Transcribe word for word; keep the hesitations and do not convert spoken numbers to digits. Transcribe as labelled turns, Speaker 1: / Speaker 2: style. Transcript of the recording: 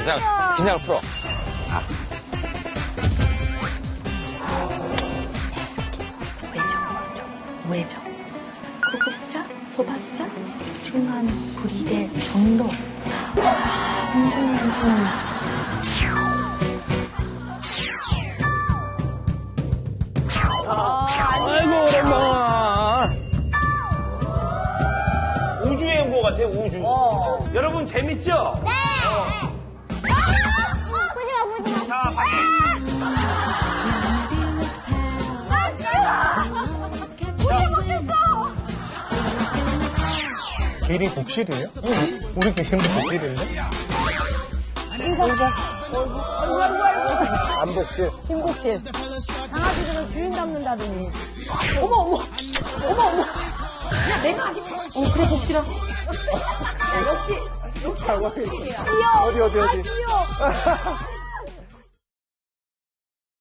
Speaker 1: 긴장, 긴장을 풀어. 아.
Speaker 2: 외정, 외정. 구급자, 소박자, 중간 불이대 정도. 와, 엄청 괜찮아.
Speaker 1: 아이고, 오랜만.
Speaker 3: 우주의 연구 같아, 우주. 어. 여러분, 재밌죠?
Speaker 4: 네! 어. 어, 보지 마, 보지 마.
Speaker 3: 자, 빨리.
Speaker 4: 아, 싫어! 보지 못했어!
Speaker 5: 길이 복실이에요? 응. 우리 길이도 복실인데?
Speaker 2: 아이고, 아이고, 아이고.
Speaker 5: 안 복실.
Speaker 2: 김국실. 강아지들은 주인 닮는다더니. 어머, 어머. 어머, 어머. 야, 내가 아직. 어, 그래, 복실아. 역시.
Speaker 5: 어디, 어디, 어디.
Speaker 2: 귀여워.
Speaker 5: 어디, 어디, 어디.
Speaker 2: 아, 귀여워.